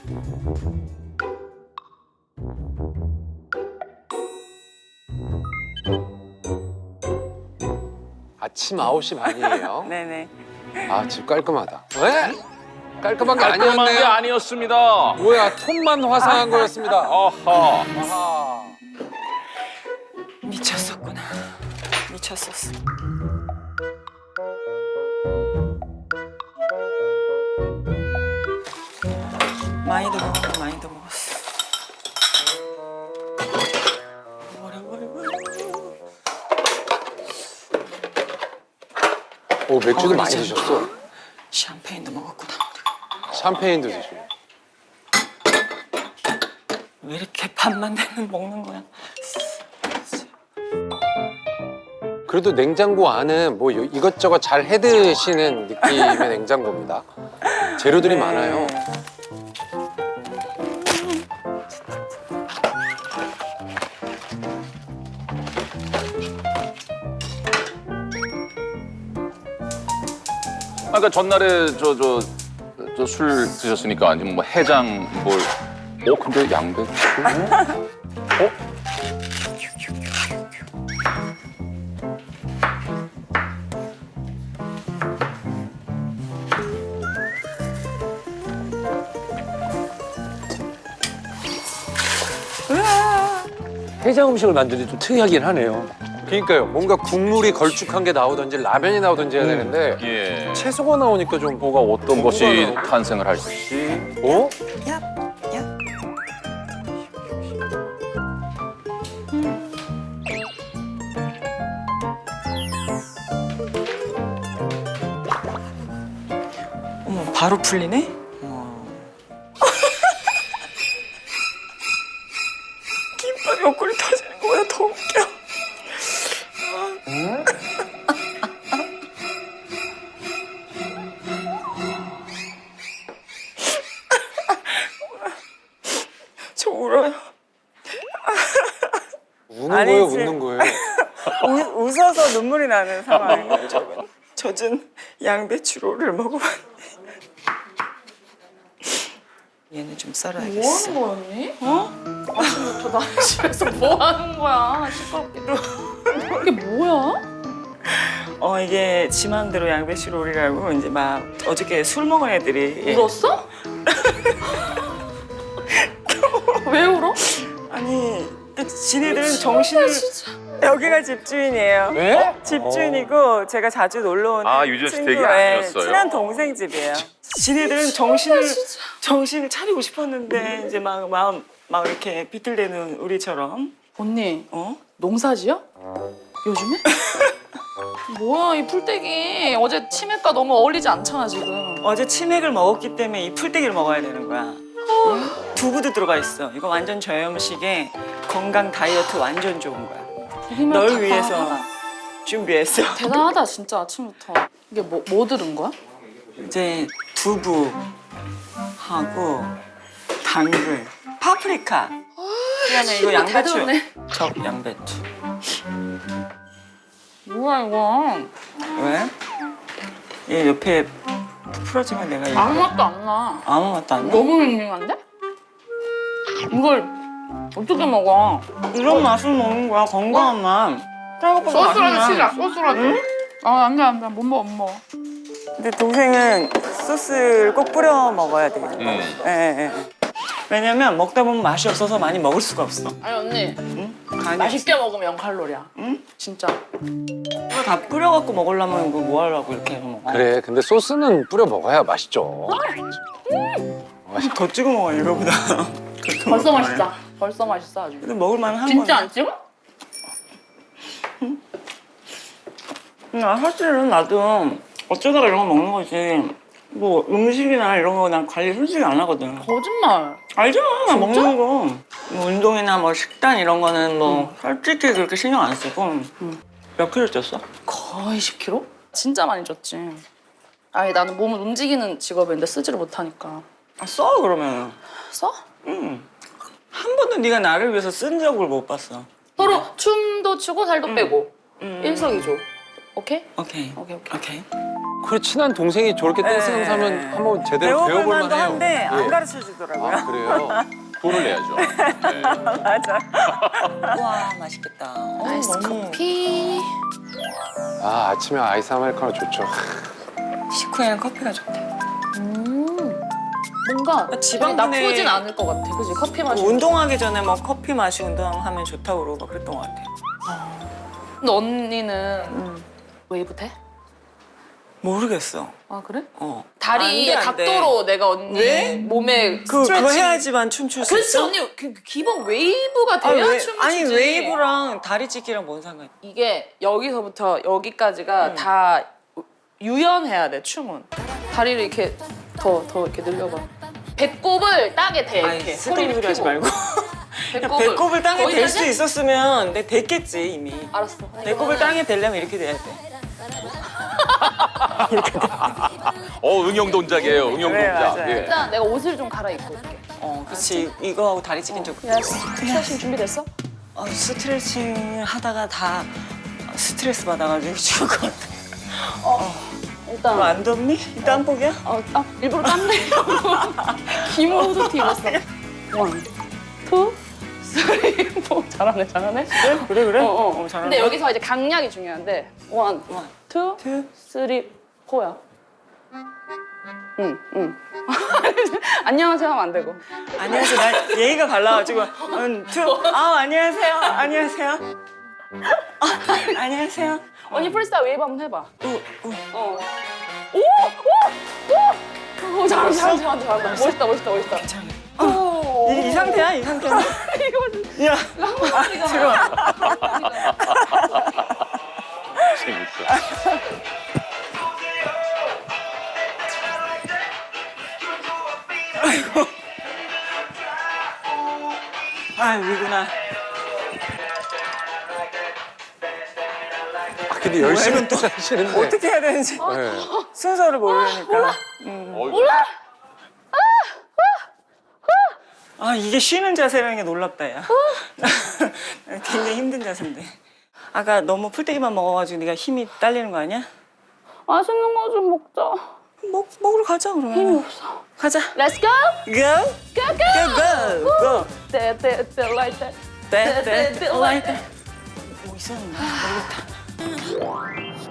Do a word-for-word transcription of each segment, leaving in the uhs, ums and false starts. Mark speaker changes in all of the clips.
Speaker 1: 아침 아홉 시 반이에요.
Speaker 2: 네네.
Speaker 1: 아, 집 깔끔하다. 왜? 깔끔한 게
Speaker 3: 깔끔한 게
Speaker 1: 아니었네요.
Speaker 3: 아니었습니다.
Speaker 1: 뭐야, 톤만 화사한 거였습니다.
Speaker 3: 아하.
Speaker 1: 아하.
Speaker 2: 미쳤었구나. 미쳤었어. 많이도 먹었어, 많이도 먹었어. 뭐라 뭐라 뭐라.
Speaker 1: 오, 맥주도
Speaker 2: 어,
Speaker 1: 많이
Speaker 2: 그러죠.
Speaker 1: 드셨어.
Speaker 2: 샴페인도 먹었구나.
Speaker 1: 샴페인도 드시고.
Speaker 2: 왜 이렇게 밥만 되면 먹는 거야?
Speaker 1: 그래도 냉장고 안은 뭐 요- 이것저것 잘 해드시는 느낌의 냉장고입니다. 재료들이
Speaker 2: 네.
Speaker 1: 많아요.
Speaker 3: 아까 전날에 저 저 저 술 드셨으니까 아니면 뭐 해장 뭘? 어 근데 양배추? 어?
Speaker 4: 해장 음식을 만드는 게 좀 특이하긴 하네요.
Speaker 1: 그러니까요. 뭔가 국물이 걸쭉한 게 나오든지 라면이 나오든지 해야
Speaker 4: 음.
Speaker 1: 되는데
Speaker 3: 예.
Speaker 1: 채소가 나오니까 좀
Speaker 3: 뭐가 어떤 것이
Speaker 1: 궁금하네요.
Speaker 3: 탄생을 할지.
Speaker 1: 어?
Speaker 2: 야, 야. 어머, 바로 풀리네? 어머. 김밥 옆구리 터지는 거보다 더 웃겨. 저 울어요.
Speaker 1: 우는
Speaker 2: 아니지.
Speaker 1: 거예요, 웃는 거예요?
Speaker 2: 우, 웃어서 눈물이 나는 상황이에요. 저건 젖은 양배추로를 먹어봤는데 얘는 좀 썰어야겠어.
Speaker 5: 뭐 하는 거야, 언니? 어? 아침부터 나 집에서 뭐 하는 거야? 시끄럽게. 이게 뭐야?
Speaker 2: 어 이게 지 맘대로 양배추롤이라고 이제 막 어저께 술 먹은 애들이
Speaker 5: 울었어? 왜 울어?
Speaker 2: 아니 그 지네들은 정신을
Speaker 5: 진짜.
Speaker 2: 여기가 집주인이에요.
Speaker 1: 네?
Speaker 2: 집주인이고 제가 자주 놀러 오는
Speaker 3: 아, 유전
Speaker 2: 친구,
Speaker 3: 스택이
Speaker 2: 예,
Speaker 3: 아니었어요?
Speaker 2: 친한 동생 집이에요. 지네들은 정신을 정신을 차리고 싶었는데 이제 막 마음 막 이렇게 비틀대는 우리처럼
Speaker 5: 언니,
Speaker 2: 어?
Speaker 5: 농사지어? 요즘에? 뭐야, 이 풀떼기. 어제 치맥과 너무 어울리지 않잖아, 지금.
Speaker 2: 어제 치맥을 먹었기 때문에 이 풀떼기를 먹어야 되는 거야. 응? 두부도 들어가 있어. 이거 완전 저염식에 건강 다이어트 완전 좋은 거야.
Speaker 5: 힘을
Speaker 2: 널
Speaker 5: 다
Speaker 2: 위해서
Speaker 5: 대단하다. 준비했어.
Speaker 2: 준비했어.
Speaker 5: 대단하다, 진짜 아침부터. 이게 뭐, 뭐 들은 거야?
Speaker 2: 이제 두부하고 당근, 파프리카. 그다음에 이거
Speaker 5: 다
Speaker 2: 양배추.
Speaker 5: 들었네.
Speaker 2: 적 양배추.
Speaker 5: 뭐야, 이거.
Speaker 2: 왜? 얘 옆에 풀어지면 내가 이거
Speaker 5: 아무 맛도 안 나.
Speaker 2: 아무 맛도 안 나.
Speaker 5: 너무 밍밍한데? 이걸 어떻게 먹어?
Speaker 2: 이런 맛을 먹는 거야. 건강한 맛. 생각보다
Speaker 5: 소스라도
Speaker 2: 맛있네.
Speaker 5: 치자, 소스라도. 아, 안 돼, 안 돼. 못 먹어, 못 먹어.
Speaker 2: 근데 동생은 소스를 꼭 뿌려 먹어야 돼.
Speaker 3: 음.
Speaker 2: 예, 예. 왜냐면 먹다 보면 맛이 없어서 많이 먹을 수가 없어.
Speaker 5: 아니, 언니.
Speaker 2: 응? 간이
Speaker 5: 맛있게 먹으면 영 칼로리야.
Speaker 2: 응?
Speaker 5: 진짜.
Speaker 2: 이거 다 뿌려갖고 먹으려면 이거 뭐 하려고 이렇게 해서 먹어.
Speaker 1: 그래, 근데 소스는 뿌려 먹어야 맛있죠.
Speaker 2: 더 찍어 먹어 이거보다. 그렇게
Speaker 5: 벌써
Speaker 2: 먹을
Speaker 5: 맛있다. 벌써 맛있어, 아주.
Speaker 2: 근데 먹을 만한
Speaker 5: 진짜
Speaker 2: 거네.
Speaker 5: 안 찍어?
Speaker 2: 아, 사실은 나도 어쩌다가 이런 거 먹는 거지. 뭐 음식이나 이런 거 난 관리 솔직히 안 하거든.
Speaker 5: 거짓말.
Speaker 2: 알잖아, 나 먹는 거. 뭐 운동이나 뭐 식단 이런 거는 뭐 솔직히 그렇게 신경 안 쓰고. 몇 킬로 쪘어?
Speaker 5: 거의 십 킬로그램? 진짜 많이 쪘지. 아니, 나는 몸을 움직이는 직업인데 쓰지를 못하니까.
Speaker 2: 아, 써 그러면.
Speaker 5: 써?
Speaker 2: 응. 한 번도 네가 나를 위해서 쓴 적을 못 봤어.
Speaker 5: 서로 춤도 추고 살도 빼고.
Speaker 2: 음.
Speaker 5: 일석이조. 오케이?
Speaker 2: 오케이.
Speaker 5: 오케이, 오케이.
Speaker 2: 오케이.
Speaker 1: 그래 친한 동생이 저렇게 댄스
Speaker 2: 네.
Speaker 1: 강사면 한번 제대로
Speaker 2: 배워볼
Speaker 1: 배워볼
Speaker 2: 만도
Speaker 1: 만해요.
Speaker 2: 한데 안
Speaker 1: 예.
Speaker 2: 가르쳐 주더라고요.
Speaker 1: 아 그래요?
Speaker 3: 돈을 내야죠. 네.
Speaker 2: 맞아. 와 맛있겠다. 어,
Speaker 5: 아이스
Speaker 2: 너무
Speaker 5: 커피.
Speaker 1: 아 아침에 아이스 아메리카노 좋죠.
Speaker 2: 식후에는 커피가 좋대.
Speaker 5: 음. 뭔가 되게
Speaker 2: 지방분해-
Speaker 5: 나쁘진 않을 것 같아. 그지? 커피 마시고.
Speaker 2: 운동하기 전에 막 커피 마시고 운동하면 좋다고 그러고 막 그랬던 것 같아.
Speaker 5: 근데 언니는
Speaker 2: 음.
Speaker 5: 웨이브 돼?
Speaker 2: 모르겠어.
Speaker 5: 아 그래?
Speaker 2: 어.
Speaker 5: 다리의
Speaker 2: 안 돼, 안 돼.
Speaker 5: 각도로 내가 언니
Speaker 2: 왜?
Speaker 5: 몸에
Speaker 2: 그,
Speaker 5: 스트레칭.
Speaker 2: 그거 해야지만 춤출 수
Speaker 5: 그렇지
Speaker 2: 있어?
Speaker 5: 언니 그, 그 기본 웨이브가
Speaker 2: 아,
Speaker 5: 돼야
Speaker 2: 왜-
Speaker 5: 춤을
Speaker 2: 아니
Speaker 5: 추지.
Speaker 2: 웨이브랑 다리 찢기랑 뭔 상관이야?
Speaker 5: 이게 여기서부터 여기까지가
Speaker 2: 음.
Speaker 5: 다 유연해야 돼 춤은. 다리를 이렇게 더 더 이렇게 늘려봐. 배꼽을 땅에 대
Speaker 2: 아니
Speaker 5: 이렇게
Speaker 2: 쓸데없는 소리 하지 말고
Speaker 5: 배꼽을,
Speaker 2: 배꼽을 땅에 댈 수
Speaker 5: 거기까지?
Speaker 2: 있었으면 내가 댔겠지 이미.
Speaker 5: 알았어.
Speaker 2: 배꼽을 땅에 대려면 이렇게 돼야 돼.
Speaker 3: 어 응용 동작이에요. 응용
Speaker 2: 그래,
Speaker 3: 동작.
Speaker 2: 맞아요.
Speaker 3: 예.
Speaker 5: 일단 내가 옷을 좀 갈아입고 올게.
Speaker 2: 어, 그렇지. 이거하고 다리 찢긴 적.
Speaker 5: 야 스트레칭 준비됐어?
Speaker 2: 어, 스트레칭 하다가 다 스트레스 받아가지고 죽을 것 같아.
Speaker 5: 일단
Speaker 2: 너 안 덥니? 이 땀복이야?
Speaker 5: 어, 아, 일부러 땀내려고 기모 후드티 입었어. 원, 투, 쓰리, 포. 잘하네, 잘하네.
Speaker 2: 그래 그래?
Speaker 5: 어, 어.
Speaker 2: 어, 잘한다.
Speaker 5: 근데 여기서 이제 강약이 중요한데 원,
Speaker 2: 원,
Speaker 5: 투,
Speaker 2: 투.
Speaker 5: 쓰리, 포야. 응, 응. 안녕하세요 하면 안 되고.
Speaker 2: 안녕하세요. 나 예의가 발라가지고 음, 투. 아 안녕하세요. 안녕하세요. 아, 안녕하세요.
Speaker 5: 언니 프리스타일 웨이브 한번 해봐.
Speaker 2: 우, 우.
Speaker 5: 어. 오! 오! 오! 오, 잘한다, 잘한다, 잘한다, 잘한다. 멋있다, 멋있다, 멋있다.
Speaker 2: 괜찮아.
Speaker 5: 오.
Speaker 2: 이, 이 상태야? 이 상태야?
Speaker 5: 이거
Speaker 2: 야.
Speaker 5: 랑마리가
Speaker 3: 재밌어.
Speaker 2: 아 위구나.
Speaker 1: 아, 근데 열심히
Speaker 2: 또
Speaker 1: 하시는데.
Speaker 2: 어떻게 해야 되는지
Speaker 1: 네.
Speaker 2: 순서를 모르니까.
Speaker 3: 몰라.
Speaker 2: 아 이게 쉬는 자세라는 게 놀랍다 야. 굉장히 힘든 자세인데. 아까 너무 풀떼기만 먹어가지고 네가 힘이 딸리는 거 아니야?
Speaker 5: 맛있는 거 좀 먹자.
Speaker 2: 먹 먹으러 가자 그러면.
Speaker 5: 힘이 없어.
Speaker 2: 가자.
Speaker 5: Let's go!
Speaker 2: Go.
Speaker 5: Go, go!
Speaker 2: Go go go.
Speaker 5: 떼, 떼, 떼, like that.
Speaker 2: 떼, 떼,
Speaker 5: 떼, like that.
Speaker 2: 뭐 있었나? 모르겠다.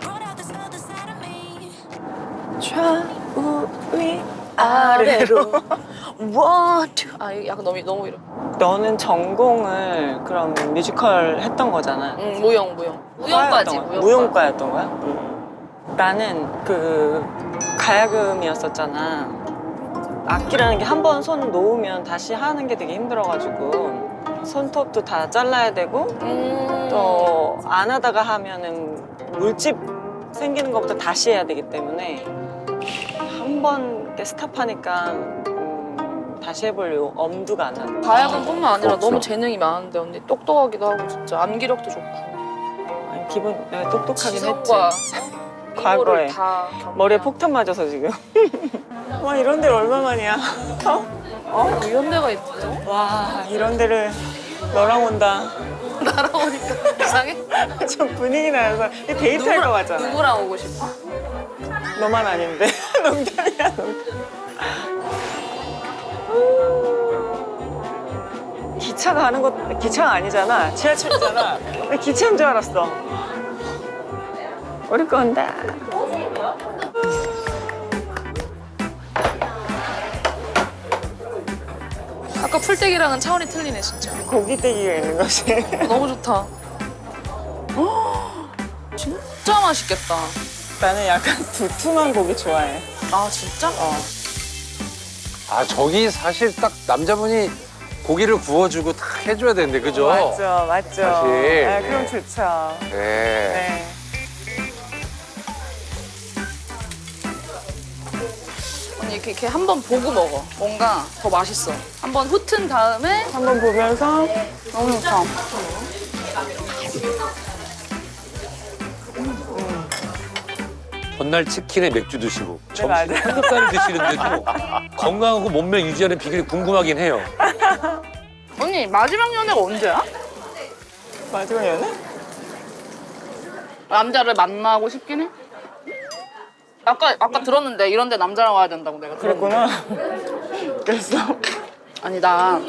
Speaker 2: 좌우 위 아래로.
Speaker 5: One, two. 아, 이거 약간 너무, 너무 이래.
Speaker 2: 너는 전공을 그럼 뮤지컬 했던 거잖아.
Speaker 5: 응, 무용, 무용. 무용까지,
Speaker 2: 과였던 거야?
Speaker 5: 무용과.
Speaker 2: 무용과였던 거야? 응. 나는 그 가야금이었었잖아. 악기라는 게 한 번 손 놓으면 다시 하는 게 되게 힘들어가지고 손톱도 다 잘라야 되고
Speaker 5: 음.
Speaker 2: 또 안 하다가 하면은 물집 생기는 것부터 다시 해야 되기 때문에 한 번 이렇게 스탑하니까 음, 다시 해볼 요 엄두가 안 나고.
Speaker 5: 가야금뿐만 아니라
Speaker 3: 없어.
Speaker 5: 너무 재능이 많은데 언니 똑똑하기도 하고 진짜 암기력도 좋고
Speaker 2: 아니, 기본 내가 똑똑하긴
Speaker 5: 지성과
Speaker 2: 했지.
Speaker 5: 미모를
Speaker 2: 과거에.
Speaker 5: 다 겸비한.
Speaker 2: 머리에 폭탄 맞아서 지금. 와 이런 데를 얼마만이야. 어?
Speaker 5: 어? 이런 데가 있어?
Speaker 2: 와 이런 데를 너랑 온다.
Speaker 5: 나랑 오니까 이상해?
Speaker 2: 좀 분위기 나서 데이트할 거 같잖아.
Speaker 5: 누구랑 오고 싶어?
Speaker 2: 너만 아닌데. 농담이야 농담. 기차 가는 것 기차가 아니잖아. 지하철이잖아. 나 기차인 줄 알았어. 우리 건다.
Speaker 5: 아까 풀떼기랑은 차원이 틀리네 진짜.
Speaker 2: 고기떼기가 있는 거지.
Speaker 5: 너무 좋다. 헉, 진짜 맛있겠다.
Speaker 2: 나는 약간 두툼한 고기 좋아해.
Speaker 5: 아 진짜?
Speaker 2: 어.
Speaker 1: 아 저기 사실 딱 남자분이 고기를 구워주고 딱 해줘야 되는데 그죠?
Speaker 2: 맞죠, 맞죠.
Speaker 1: 사실.
Speaker 2: 네, 그럼 좋죠.
Speaker 1: 네.
Speaker 2: 네.
Speaker 5: 언니 이렇게, 이렇게 한 번 보고 먹어. 뭔가 더 맛있어. 한 번 훑은 다음에
Speaker 2: 한번 보면서
Speaker 5: 너무 좋다.
Speaker 4: 전날 치킨에 맥주 드시고 점심
Speaker 2: 맞아요.
Speaker 4: 삼겹살을 드시는데도 건강하고 몸매 유지하는 비결이 궁금하긴 해요.
Speaker 5: 언니 마지막 연애가 언제야?
Speaker 2: 마지막 연애?
Speaker 5: 남자를 만나고 싶긴 해? 아까 아까 들었는데 이런데 남자랑 와야 된다고 내가 들었는데.
Speaker 2: 그랬구나. 그랬어.
Speaker 5: 아니 나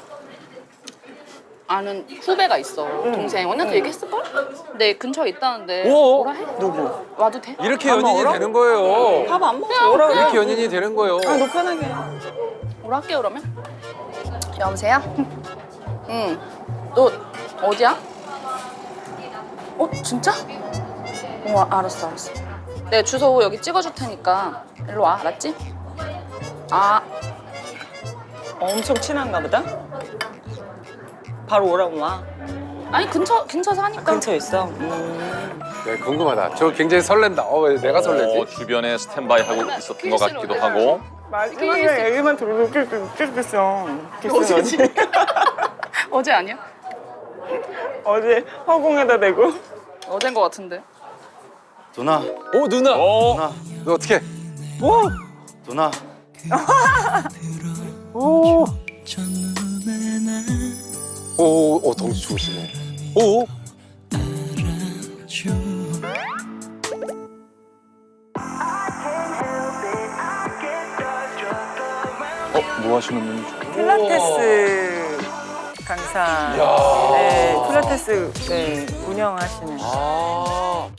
Speaker 5: 아는 후배가 있어. 동생 언니한테 얘기했을걸? 내 근처에 있다는데
Speaker 1: 오!
Speaker 5: 오라 해?
Speaker 2: 누구?
Speaker 5: 와도 돼?
Speaker 1: 이렇게
Speaker 2: 밥
Speaker 1: 연인이
Speaker 2: 먹으러?
Speaker 1: 되는 거예요.
Speaker 2: 밥 안 먹어. 오라고.
Speaker 1: 이렇게 연인이 되는 거예요.
Speaker 2: 아, 너 편하게.
Speaker 5: 오라 할게 그러면. 여보세요? 응. 너 어디야? 어 진짜? 어 알았어 알았어. 내가 주소 여기 찍어줄 테니까 일로 와 알았지? 아
Speaker 2: 엄청 친한가 보다? 바로 오라고 와.
Speaker 5: 아니 근처 근처 사니까.
Speaker 2: 근처에 있어? 음.
Speaker 1: 네, 궁금하다. 저 굉장히 설렌다. 어, 왜 내가 설레지?
Speaker 3: 어, 주변에 스탠바이 하고 있었던 것 같기도 하고.
Speaker 2: 마지막에 얘기만 들어도 웃겼어.
Speaker 5: 어제지?
Speaker 2: 어제
Speaker 5: 어제 아니야?
Speaker 2: 어제 허공에다 대고.
Speaker 5: 어제인 것 같은데.
Speaker 6: 누나,
Speaker 1: 오, 누나.
Speaker 6: 누나,
Speaker 1: 너 어떻게?
Speaker 6: 누나.
Speaker 1: 오. 오, 어, 덩치 좋으시네. 오.
Speaker 3: 어, 뭐 하시는 분이죠?
Speaker 2: 필라테스 강사.
Speaker 1: 이야.
Speaker 2: 네, 필라테스 네, 운영하시는.
Speaker 1: 아.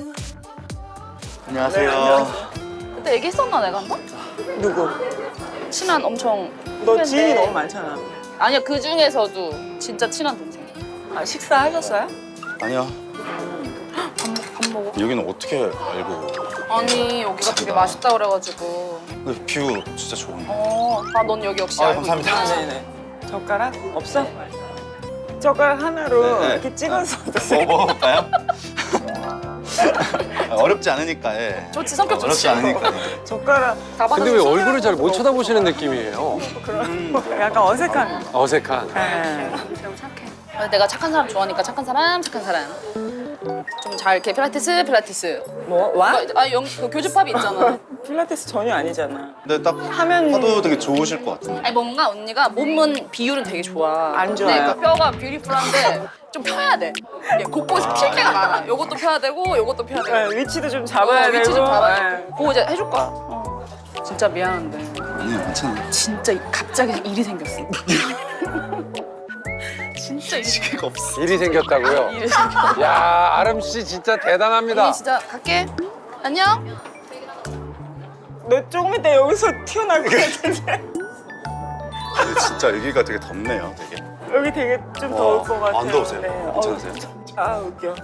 Speaker 6: 안녕하세요.
Speaker 5: 그때 얘기했었나 내가 한 번?
Speaker 2: 누구?
Speaker 5: 친한 엄청
Speaker 2: 너
Speaker 5: 후배인데.
Speaker 2: 지인이 너무 많잖아.
Speaker 5: 아니야 그 중에서도 진짜 친한 동생.
Speaker 2: 아, 식사하셨어요?
Speaker 6: 아니요.
Speaker 5: 밥, 먹- 밥 먹어?
Speaker 6: 여기는 어떻게 알고?
Speaker 5: 아니 여기가 되게 맛있다 그래가지고.
Speaker 6: 근데 뷰 진짜 좋은데.
Speaker 5: 어, 아 넌 여기 역시
Speaker 6: 아,
Speaker 5: 알고
Speaker 6: 감사합니다.
Speaker 5: 있구나.
Speaker 2: 네네. 젓가락? 없어? 젓가락 하나로
Speaker 6: 네, 네.
Speaker 2: 이렇게 찍어서 드세요.
Speaker 6: 뭐 먹어볼까요? 아, 어렵지 않으니까. 예.
Speaker 5: 좋지 성격
Speaker 6: 어렵지
Speaker 5: 좋지.
Speaker 6: 않으니까.
Speaker 2: 젓가락
Speaker 5: 다
Speaker 1: 근데 왜
Speaker 5: 받아서
Speaker 1: 얼굴을 잘 못 쳐다보시는 느낌이에요?
Speaker 2: 그런 약간 어색한.
Speaker 1: 어색한.
Speaker 2: 네.
Speaker 5: 너무 착해. 아, 내가 착한 사람 좋아하니까 착한 사람 착한 사람. 좀 잘 이렇게 필라테스 필라테스.
Speaker 2: 뭐 와?
Speaker 5: 아 영, 그 교집합이 있잖아.
Speaker 2: 필라테스 전혀 아니잖아.
Speaker 6: 근데 딱
Speaker 2: 하면
Speaker 6: 하도 되게 좋으실 것 같은데.
Speaker 5: 아니 뭔가 언니가 몸은 비율은 되게 좋아.
Speaker 2: 안 좋아요.
Speaker 5: 근데 그 뼈가 뷰티풀한데 좀 펴야 돼. 이게 곳곳이 필 때가 많아. 요것도 펴야 되고 요것도 펴야 되고.
Speaker 2: 네, 위치도 좀 잡아야
Speaker 5: 어,
Speaker 2: 되고.
Speaker 5: 위치 좀 잡아야
Speaker 2: 네.
Speaker 5: 돼. 그거 이제 해줄 거야. 어. 진짜 미안한데
Speaker 6: 아니요, 괜찮아요.
Speaker 5: 진짜 갑자기 일이 생겼어. 진짜 일이 생겼어.
Speaker 6: 기회가 없어.
Speaker 1: 일이 생겼다고요?
Speaker 5: 일이 생겼어.
Speaker 1: 야, 아름 씨 진짜 대단합니다.
Speaker 5: 언니 진짜 갈게. 안녕.
Speaker 2: 너 조금 이따 여기서 튀어나올 것 같은데.
Speaker 6: 근데 진짜 여기가 되게 덥네요, 되게.
Speaker 2: 여기 되게 좀
Speaker 6: 와,
Speaker 2: 더울 것 같아요.
Speaker 6: 안 더우세요?
Speaker 2: 네.
Speaker 6: 괜찮으세요?
Speaker 2: 어, 아 웃겨.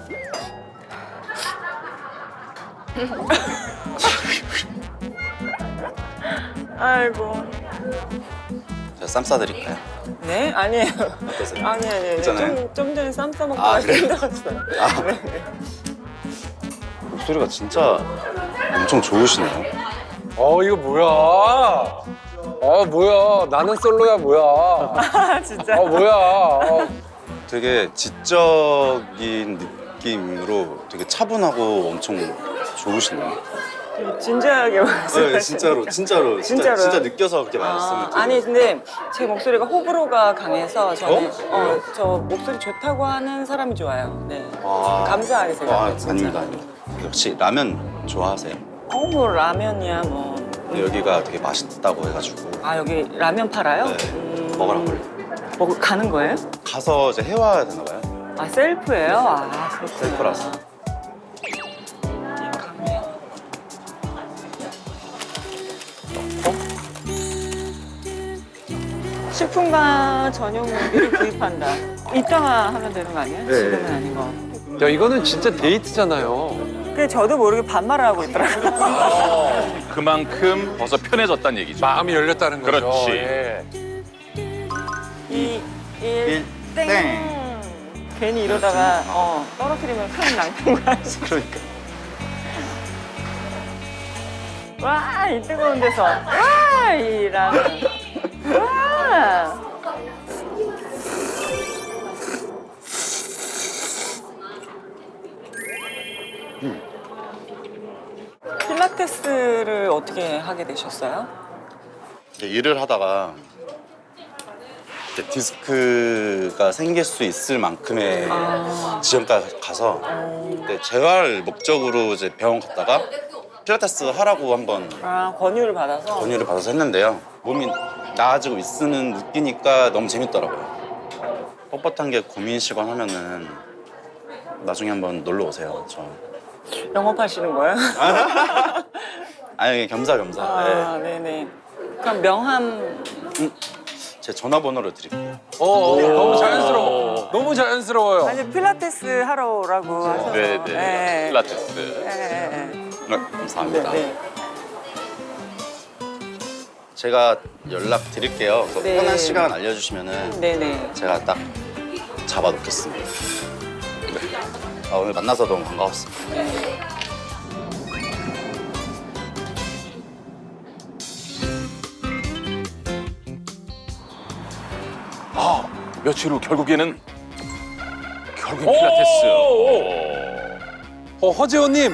Speaker 2: 아이고.
Speaker 6: 제가 쌈 싸드릴까요?
Speaker 2: 네? 아니에요.
Speaker 6: 어떠세요?
Speaker 2: 아니 아니에요.
Speaker 6: 괜찮아요?
Speaker 2: 좀, 좀 전에 쌈 싸먹고
Speaker 6: 아,
Speaker 2: 아,
Speaker 6: 그래요?
Speaker 2: 힘들었어요.
Speaker 6: 아.
Speaker 2: 네, 네.
Speaker 6: 목소리가 진짜 엄청 좋으시네요.
Speaker 1: 어, 이거 뭐야? 어, 뭐야? 나는 솔로야, 뭐야?
Speaker 2: 아 진짜.
Speaker 1: 어, 뭐야? 어,
Speaker 6: 되게 지적인 느낌으로 되게 차분하고 엄청 좋으시네요.
Speaker 2: 되게 진지하게 말씀하시니까.
Speaker 6: 네, 진짜로, 진짜로, 진짜,
Speaker 2: 진짜로요?
Speaker 6: 진짜 느껴서 그렇게
Speaker 2: 아,
Speaker 6: 말씀을 드려요.
Speaker 2: 아니 근데 제 목소리가 호불호가 강해서 저는
Speaker 6: 어?
Speaker 2: 어, 저 목소리 좋다고 하는 사람이 좋아요. 네.
Speaker 6: 아,
Speaker 2: 감사하게
Speaker 6: 아,
Speaker 2: 생각해요. 진짜.
Speaker 6: 아닙니다, 아닙니다. 혹시 라면 좋아하세요?
Speaker 2: 어, 뭐 라면이야 뭐.
Speaker 6: 근데 여기가 되게 맛있다고 해가지고
Speaker 2: 아 여기 라면 팔아요?
Speaker 6: 네,
Speaker 2: 음,
Speaker 6: 먹으라고 그래요.
Speaker 2: 먹 가는 거예요?
Speaker 6: 가서 이제 해와야 되나 봐요.
Speaker 2: 아 셀프예요? 아 그렇구나.
Speaker 6: 셀프라서.
Speaker 2: 식품과 전용 무기를 구입한다. 이따가 하면 되는 거 아니에요?
Speaker 6: 네.
Speaker 2: 지금은 아닌 거.
Speaker 1: 야, 이거는 진짜 데이트잖아요.
Speaker 2: 근데 저도 모르게 반말을 하고 있더라고요.
Speaker 3: 그만큼 벌써 편해졌다는 얘기죠.
Speaker 1: 마음이 열렸다는 거죠.
Speaker 3: 그렇지.
Speaker 1: 예.
Speaker 2: 이, 일,
Speaker 6: 일,
Speaker 2: 땡.
Speaker 6: 땡.
Speaker 2: 괜히 이러다가 어, 떨어뜨리면 큰 낭패가
Speaker 6: 그러니까.
Speaker 2: 와, 이 뜨거운 데서 와, 이 라면. 와. 필라테스를 어떻게 하게 되셨어요?
Speaker 6: 이제 일을 하다가 이제 디스크가 생길 수 있을 만큼의
Speaker 2: 아.
Speaker 6: 지점까지 가서 이제 재활 목적으로 이제 병원 갔다가 필라테스 하라고 한번
Speaker 2: 아, 권유를 받아서.
Speaker 6: 권유를 받아서 했는데요. 몸이 나아지고 있으는 느끼니까 너무 재밌더라고요. 뻣뻣한 게 고민이시건 하면은 나중에 한번 놀러 오세요. 저
Speaker 2: 영업하시는 거예요?
Speaker 6: 아니 겸사겸사.
Speaker 2: 아, 네네. 그럼 명함.
Speaker 6: 네. 제 전화번호를 드릴게요.
Speaker 1: 어, 어, 너무 자연스러워. 너무 자연스러워요.
Speaker 2: 아니, 필라테스 하러 오라고 하셔서.
Speaker 3: 네네.
Speaker 2: 네.
Speaker 3: 필라테스.
Speaker 2: 네, 네,
Speaker 6: 네, 감사합니다.
Speaker 2: 네.
Speaker 6: 제가 연락 드릴게요. 그래서
Speaker 2: 네.
Speaker 6: 편한 시간 알려주시면은
Speaker 2: 네네.
Speaker 6: 제가 딱 잡아놓겠습니다. 네. 아, 오늘 만나서 너무 반가웠습니다.
Speaker 3: 아, 며칠 후 결국에는 결국엔 필라테스.
Speaker 1: 어, 허재호님.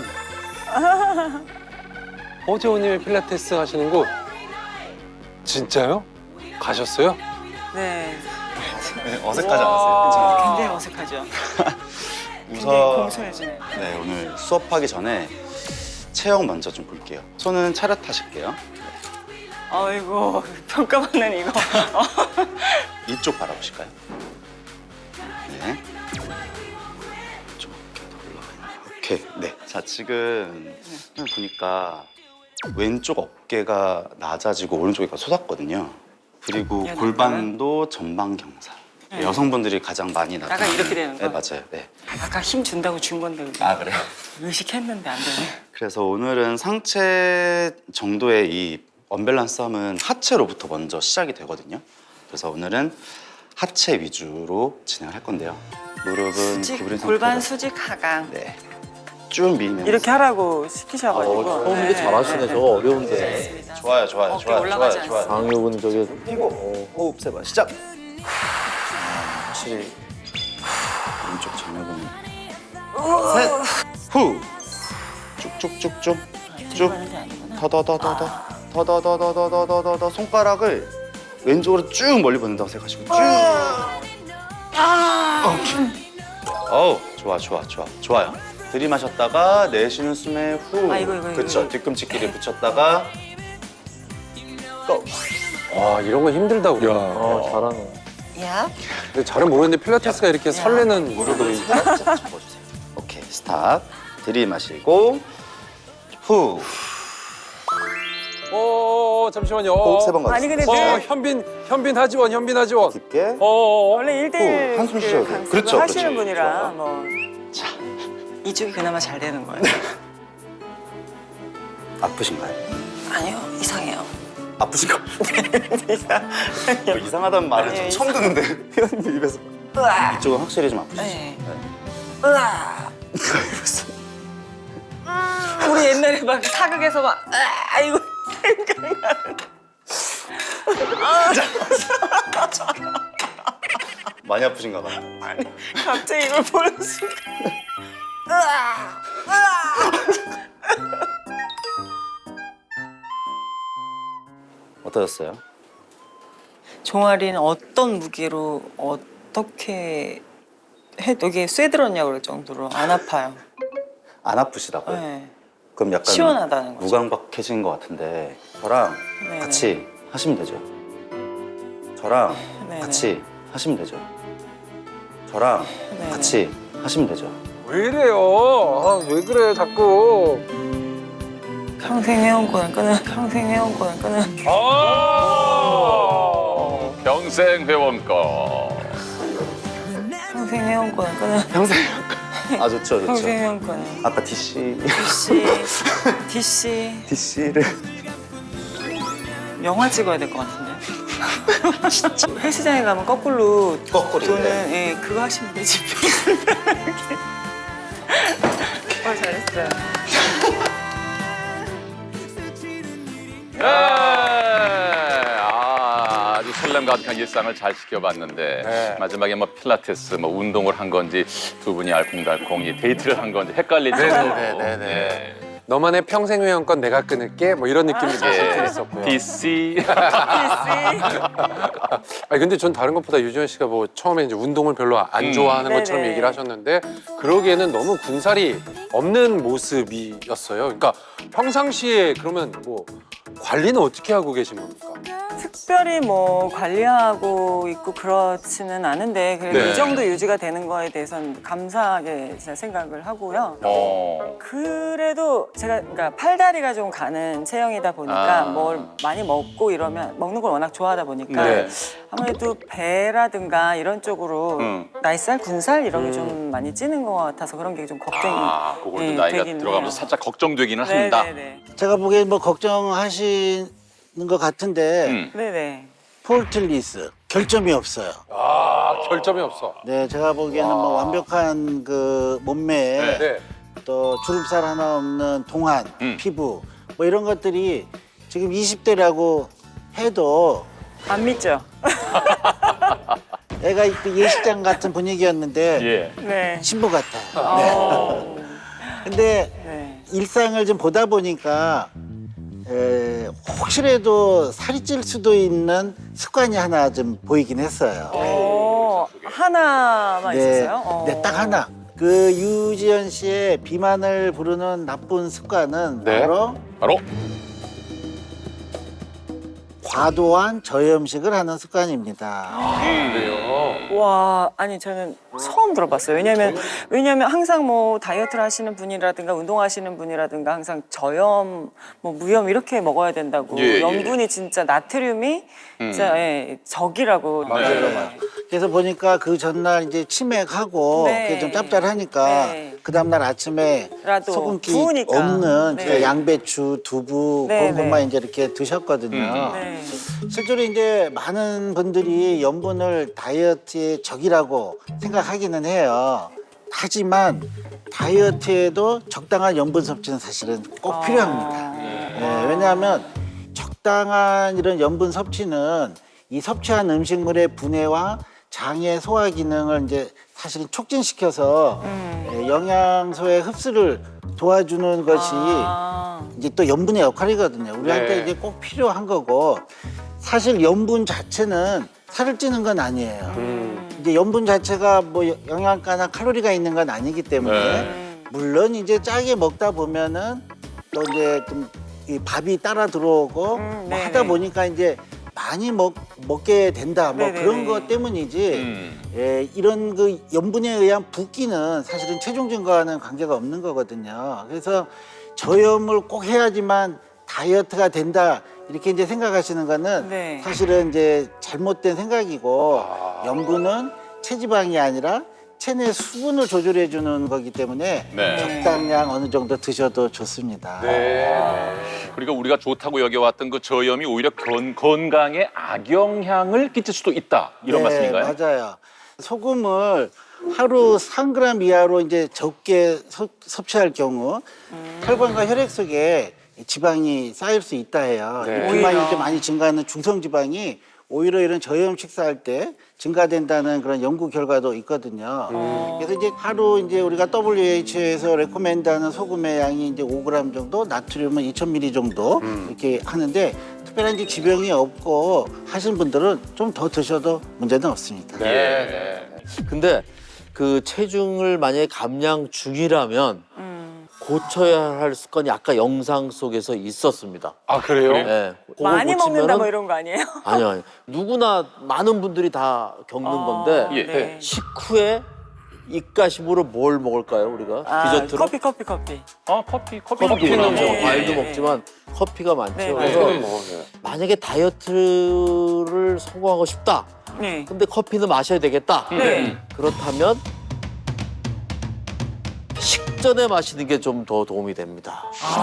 Speaker 1: 허재호님이 필라테스 하시는 곳. 진짜요? 가셨어요?
Speaker 2: 네.
Speaker 6: 네, 어색하지 않으세요? 괜찮아요?
Speaker 2: 굉장히 어색하죠. 굉장히
Speaker 6: 우선
Speaker 2: 공손해지네요.
Speaker 6: 네, 오늘 수업하기 전에 체형 먼저 좀 볼게요. 손은 차렷하실게요.
Speaker 2: 아이고, 평가받는 이거.
Speaker 6: 이쪽 바라보실까요? 네. 좀 이렇게 더 올라가 있네요. 오케이. 네. 자, 지금 보니까 왼쪽 어깨가 낮아지고 오른쪽이 솟았거든요. 그리고
Speaker 2: 야,
Speaker 6: 골반도 전방 경사.
Speaker 2: 네.
Speaker 6: 여성분들이 가장 많이 나타나는.
Speaker 2: 약간 이렇게 되는
Speaker 6: 네,
Speaker 2: 거?
Speaker 6: 맞아요. 네.
Speaker 2: 아까 힘 준다고 준 건데. 우리.
Speaker 6: 아, 그래요?
Speaker 2: 의식했는데 안 되네.
Speaker 6: 그래서 오늘은 상체 정도의 이 언밸런스 함은 하체로부터 먼저 시작이 되거든요. 그래서 오늘은 하체 위주로 진행을 할 건데요. 무릎은
Speaker 2: 수직,
Speaker 6: 구부린
Speaker 2: 골반
Speaker 6: 상태로
Speaker 2: 수직 하강.
Speaker 6: 네. 쭉 밀면서
Speaker 2: 이렇게 하라고 시키셔가지고.
Speaker 7: 처음인데 잘하시네. 저거 어려운데.
Speaker 2: 좋습니다.
Speaker 6: 좋아요, 좋아요,
Speaker 2: 어깨
Speaker 6: 좋아요,
Speaker 2: 올라가지
Speaker 6: 좋아요, 좋아요.
Speaker 7: 강요근 저게
Speaker 6: 피고 호흡 세번 시작. 확실히 왼쪽 정면은 셋, 후, 쭉쭉쭉쭉 쭉,
Speaker 2: 하는 게 아니구나.
Speaker 6: 더더더더더, 더더더더더더더더 손가락을 왼쪽으로 쭉 멀리 보낸다고 생각하시고 쭉. 오케이. 어우, 좋아, 좋아, 좋아, 좋아요. 들이마셨다가 내쉬는 숨에 후.
Speaker 2: 아, 이거, 이거,
Speaker 6: 그렇죠.
Speaker 2: 이거.
Speaker 6: 뒤꿈치끼리 붙였다가 고.
Speaker 1: 와, 이런 거 힘들다, 우리.
Speaker 7: 어, 잘하네.
Speaker 2: 야.
Speaker 1: 근데 잘은 모르겠는데 필라테스가 이렇게 설레는 무릎을.
Speaker 6: 살짝 접어주세요. 오케이, 스탑. 들이마시고 후.
Speaker 1: 어, 잠시만요.
Speaker 6: 호흡 세 번 가주세요.
Speaker 2: 아니, 근데
Speaker 1: 어,
Speaker 2: 늘
Speaker 1: 현빈, 현빈 하지원, 현빈 하지원.
Speaker 6: 깊게.
Speaker 1: 어, 어, 어.
Speaker 2: 원래 일 대일
Speaker 6: 후, 한숨 쉬어도 돼요. 그렇죠,
Speaker 2: 하시는
Speaker 6: 그렇죠.
Speaker 2: 분이라
Speaker 6: 좋아요.
Speaker 2: 뭐
Speaker 6: 자,
Speaker 2: 이쪽이 그나마 잘 되는 거예요.
Speaker 6: 아프신가요?
Speaker 2: 아니요, 이상해요.
Speaker 6: 아프신가요? 뭐 이상하다는 말을 좀
Speaker 2: 아니에요,
Speaker 6: 처음 듣는데 회원님 입에서
Speaker 2: 으아.
Speaker 6: 이쪽은 확실히 좀 아프시죠?
Speaker 2: 네. 으아. 우리 옛날에 막 사극에서 막 아, 이거
Speaker 6: 많이 아프신가 봐요.
Speaker 2: 갑자기 이걸 보는 순간 으아. 으아.
Speaker 6: 어떠셨어요?
Speaker 2: 종아리는 어떤 무게로 어떻게 해 여기 쇠들었냐고 그럴 정도로 안 아파요.
Speaker 6: 안 아프시다고요?
Speaker 2: 네.
Speaker 6: 그럼 약간
Speaker 2: 시원하다는 거죠.
Speaker 6: 무감각해진 것 같은데 저랑
Speaker 2: 네네.
Speaker 6: 같이 하시면 되죠. 저랑
Speaker 2: 네네.
Speaker 6: 같이 하시면 되죠. 저랑
Speaker 2: 네네.
Speaker 6: 같이 하시면 되죠.
Speaker 1: 왜 이래요? 아, 왜 그래, 자꾸.
Speaker 2: 평생 회원권을 끊은 평생 회원권을 끊은
Speaker 1: 아!
Speaker 3: 평생 회원권.
Speaker 2: 평생 회원권을 끊은
Speaker 6: 평생 아 좋죠, 좋죠.
Speaker 2: 평생 회원권을
Speaker 6: 아까 디씨
Speaker 2: 디씨 디씨
Speaker 6: 디씨를
Speaker 2: 영화 찍어야 될 것 같은데. 진짜 헬스장에 가면 거꾸로
Speaker 6: 거꾸로,
Speaker 2: 도는
Speaker 6: 네.
Speaker 2: 예, 그거 하시면 되지. 어 잘했어요.
Speaker 3: 네. 아, 아주 설렘 가득한 일상을 잘 지켜봤는데
Speaker 1: 네.
Speaker 3: 마지막에 뭐 필라테스, 뭐 운동을 한 건지 두 분이 알콩달콩 이 데이트를 한 건지 헷갈릴 정도로
Speaker 1: 네, 네, 네, 네.
Speaker 3: 네.
Speaker 1: 너만의 평생 회원권 내가 끊을게 뭐 이런 느낌도 사실 좀 있었고요.
Speaker 3: 디씨.
Speaker 1: 아니 근데 전 다른 것보다 유지현 씨가 뭐 처음에 이제 운동을 별로 안
Speaker 3: 음.
Speaker 1: 좋아하는 것처럼
Speaker 2: 네네.
Speaker 1: 얘기를 하셨는데 그러기에는 너무 군살이 없는 모습이었어요. 그러니까 평상시에 그러면 뭐 관리는 어떻게 하고 계신 겁니까?
Speaker 2: 특별히 뭐 관리하고 있고 그렇지는 않은데 그래도
Speaker 1: 네.
Speaker 2: 이 정도 유지가 되는 거에 대해서는 감사하게 제가 생각을 하고요.
Speaker 3: 어.
Speaker 2: 그래도 제가 그러니까 팔다리가 좀 가는 체형이다 보니까
Speaker 3: 아.
Speaker 2: 뭘 많이 먹고 이러면 먹는 걸 워낙 좋아하다 보니까
Speaker 1: 네.
Speaker 2: 아무래도 배라든가 이런 쪽으로
Speaker 3: 음.
Speaker 2: 나이살, 군살 이런 게 좀 많이 찌는 것 같아서 그런 게 좀 걱정이
Speaker 3: 아, 그걸
Speaker 2: 예,
Speaker 3: 또 나이가
Speaker 2: 되긴
Speaker 3: 들어가면서
Speaker 2: 해요.
Speaker 3: 살짝 걱정되기는 한다.
Speaker 2: 네네네.
Speaker 8: 제가 보기엔 뭐 걱정하시는 것 같은데
Speaker 3: 음.
Speaker 2: 네네.
Speaker 8: 폴틀리스 결점이 없어요.
Speaker 1: 아 결점이 없어.
Speaker 8: 네, 제가 보기에는 뭐 완벽한 그 몸매에
Speaker 1: 네.
Speaker 8: 또 주름살 하나 없는 동안
Speaker 3: 음.
Speaker 8: 피부 뭐 이런 것들이 지금 이십 대라고 해도
Speaker 2: 안 믿죠?
Speaker 8: 애가 그 예식장 같은 분위기였는데
Speaker 3: 예.
Speaker 2: 네.
Speaker 8: 신부 같아요.
Speaker 2: 어.
Speaker 8: 근데
Speaker 2: 네.
Speaker 8: 일상을 좀 보다 보니까 에, 혹시라도 살이 찔 수도 있는 습관이 하나 좀 보이긴 했어요.
Speaker 2: 어, 하나만 있었어요? 어.
Speaker 8: 네, 딱 하나. 그 유지연 씨의 비만을 부르는 나쁜 습관은
Speaker 1: 네.
Speaker 8: 바로
Speaker 3: 바로
Speaker 8: 과도한 저염식을 하는 습관입니다.
Speaker 1: 그래요.
Speaker 2: 와, 아니 저는 처음 들어봤어요. 왜냐면 왜냐면 항상 뭐 다이어트를 하시는 분이라든가 운동하시는 분이라든가 항상 저염, 뭐 무염 이렇게 먹어야 된다고.
Speaker 3: 예, 예.
Speaker 2: 염분이 진짜 나트륨이 진짜 예, 적이라고.
Speaker 3: 맞아요,
Speaker 2: 네.
Speaker 3: 맞아요.
Speaker 8: 그래서 보니까 그 전날 이제 치맥하고
Speaker 2: 네.
Speaker 8: 그게 좀 짭짤하니까
Speaker 2: 네.
Speaker 8: 그 다음날 아침에
Speaker 2: 라도
Speaker 8: 소금기
Speaker 2: 부으니까.
Speaker 8: 없는
Speaker 2: 네.
Speaker 8: 이제 양배추, 두부
Speaker 2: 네,
Speaker 8: 그런 것만
Speaker 2: 네.
Speaker 8: 이제 이렇게 드셨거든요.
Speaker 2: 네.
Speaker 8: 실제로 이제 많은 분들이 염분을 다이어트의 적이라고 생각하기는 해요. 하지만 다이어트에도 적당한 염분 섭취는 사실은 꼭 필요합니다. 네, 왜냐하면 적당한 이런 염분 섭취는 이 섭취한 음식물의 분해와 장의 소화 기능을 이제 사실은 촉진시켜서 예, 영양소의 흡수를 도와주는 것이
Speaker 2: 아.
Speaker 8: 이제 또 염분의 역할이거든요. 우리한테
Speaker 1: 네.
Speaker 8: 이제 꼭 필요한 거고 사실 염분 자체는 살을 찌는 건 아니에요.
Speaker 1: 음.
Speaker 8: 이제 염분 자체가 뭐 영양가나 칼로리가 있는 건 아니기 때문에
Speaker 3: 네.
Speaker 8: 물론 이제 짜게 먹다 보면은 또 이제 좀 이 밥이 따라 들어오고
Speaker 2: 음,
Speaker 8: 뭐
Speaker 2: 네네.
Speaker 8: 하다 보니까 이제 많이 먹, 먹게 된다 뭐
Speaker 2: 네네네.
Speaker 8: 그런 것 때문이지
Speaker 3: 음.
Speaker 8: 예, 이런 그 염분에 의한 붓기는 사실은 체중 증가와는 관계가 없는 거거든요. 그래서 저염을 꼭 해야지만 다이어트가 된다 이렇게 이제 생각하시는 거는
Speaker 2: 네.
Speaker 8: 사실은 이제 잘못된 생각이고 염분은 체지방이 아니라 체내 수분을 조절해 주는 거기 때문에
Speaker 3: 네.
Speaker 8: 적당량 어느 정도 드셔도 좋습니다.
Speaker 1: 네.
Speaker 3: 그러니까 우리가 좋다고 여겨왔던 그 저염이 오히려 건, 건강에 악영향을 끼칠 수도 있다 이런
Speaker 8: 네,
Speaker 3: 말씀인가요?
Speaker 8: 맞아요. 소금을 하루 삼 그램 이하로 이제 적게 섭- 섭취할 경우 혈관과 혈액 속에 지방이 쌓일 수 있다 해요.
Speaker 1: 네.
Speaker 8: 이 비만이
Speaker 2: 오히려.
Speaker 8: 좀 많이 증가하는 중성 지방이 오히려 이런 저염 식사할 때 증가된다는 그런 연구 결과도 있거든요. 그래서 이제 하루 이제 우리가 더블유에이치오에서 레코멘드하는 소금의 양이 이제 오 그램 정도, 나트륨은 이천 밀리리터 정도 이렇게 하는데 특별한 이제 지병이 없고 하신 분들은 좀 더 드셔도 문제는 없습니다.
Speaker 1: 네.
Speaker 7: 근데 그 체중을 만약에 감량 중이라면
Speaker 2: 음.
Speaker 7: 고쳐야 할 습관이 아까 영상 속에서 있었습니다.
Speaker 1: 아 그래요?
Speaker 7: 네, 그거
Speaker 2: 많이 먹는다
Speaker 7: 고치면은-
Speaker 2: 뭐 이런 거 아니에요?
Speaker 7: 아니요, 아니요. 누구나 많은 분들이 다 겪는 건데
Speaker 3: 예.
Speaker 2: 네.
Speaker 7: 식후에 입가심으로 뭘 먹을까요, 우리가?
Speaker 2: 아,
Speaker 7: 디저트로?
Speaker 2: 커피 커피 커피.
Speaker 3: 어, 커피, 커피.
Speaker 7: 커피는 뭐
Speaker 2: 네.
Speaker 7: 과일도
Speaker 2: 네.
Speaker 7: 먹지만 커피가 많죠.
Speaker 2: 네,
Speaker 7: 그래서
Speaker 1: 그거는 뭐, 네.
Speaker 7: 만약에 다이어트를 성공하고 싶다.
Speaker 2: 네.
Speaker 7: 근데 커피는 마셔야 되겠다.
Speaker 2: 네.
Speaker 7: 그렇다면 식전에 마시는 게 좀 더 도움이 됩니다.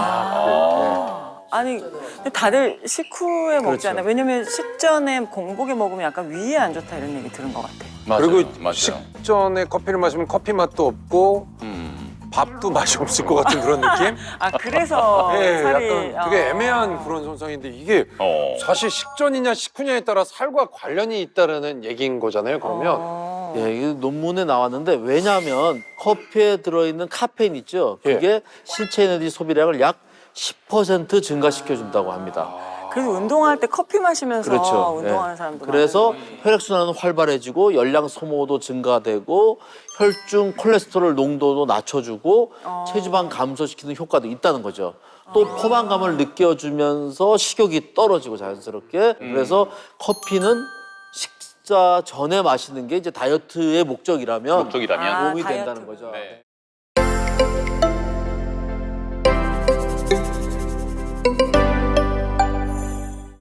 Speaker 2: 아니 근데 다들 식후에 먹잖아요.
Speaker 7: 그렇죠.
Speaker 2: 왜냐면 식전에 공복에 먹으면 약간 위에 안 좋다 이런 얘기 들은 것 같아.
Speaker 3: 맞아요.
Speaker 1: 그리고
Speaker 3: 맞아요.
Speaker 1: 식전에 커피를 마시면 커피 맛도 없고
Speaker 3: 음.
Speaker 1: 밥도 맛이 없을 것 같은 그런 느낌?
Speaker 2: 아 그래서
Speaker 1: 네,
Speaker 2: 살이
Speaker 1: 약간 되게
Speaker 2: 어.
Speaker 1: 애매한 그런 현상인데 이게
Speaker 3: 어.
Speaker 1: 사실 식전이냐 식후냐에 따라 살과 관련이 있다는 얘기인 거잖아요. 그러면
Speaker 2: 어.
Speaker 7: 예, 이 논문에 나왔는데 왜냐하면 커피에 들어있는 카페인 있죠. 그게 신체 에너지 소비량을 약 십 퍼센트 증가시켜 준다고 합니다.
Speaker 2: 그래서 운동할 때 커피 마시면서
Speaker 7: 그렇죠.
Speaker 2: 운동하는
Speaker 7: 예.
Speaker 2: 사람도
Speaker 7: 그래서
Speaker 2: 많아요.
Speaker 7: 혈액순환은 활발해지고 열량 소모도 증가되고 혈중 콜레스테롤 농도도 낮춰주고
Speaker 2: 어.
Speaker 7: 체지방 감소시키는 효과도 있다는 거죠. 또 포만감을 느껴주면서 식욕이 떨어지고 자연스럽게 그래서 커피는 식사 전에 마시는 게 이제 다이어트의 목적이라면
Speaker 3: 목적이라면
Speaker 2: 아,
Speaker 7: 도움이
Speaker 2: 다이어트.
Speaker 7: 된다는 거죠.
Speaker 3: 네.